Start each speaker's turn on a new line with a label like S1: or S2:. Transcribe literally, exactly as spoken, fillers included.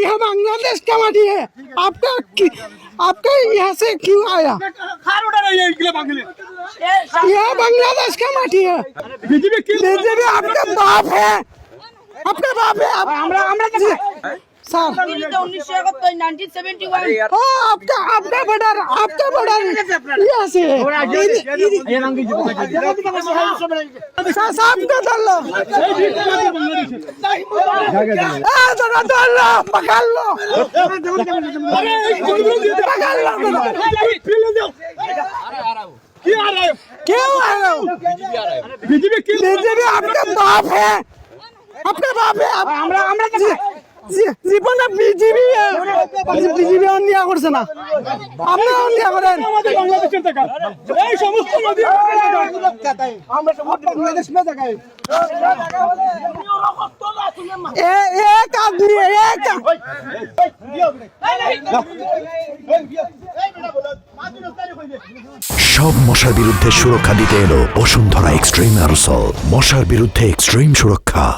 S1: यह बांग्लादेश का माटी है, आपका आपका यहाँ से क्यों आया? यह बांग्लादेश का माटी है। बीजेपी आपका बाप है, आपका बाप है। सर आपका आपका बॉर्डर आपका बॉर्डर यहाँ से साहब को डाल लो, जरा डाल लो, पकड़ लो, पकड़ लो। क्यों आ रहे हो? बीजेपी आपका बाप है, आपका बाप है। জীবনে বিজেপি বিজেপি অন্যায় করছে না, আপনি অন্যায় করেন। এই সমস্ত নদী আমরা সব বাংলাদেশ में जगह है। ए एक आदमी एक
S2: সব মশার বিরুদ্ধে সুরক্ষা দিতে এলো বসুন্ধরা এক্সট্রিম অ্যারোসল। মশার বিরুদ্ধে এক্সট্রিম সুরক্ষা।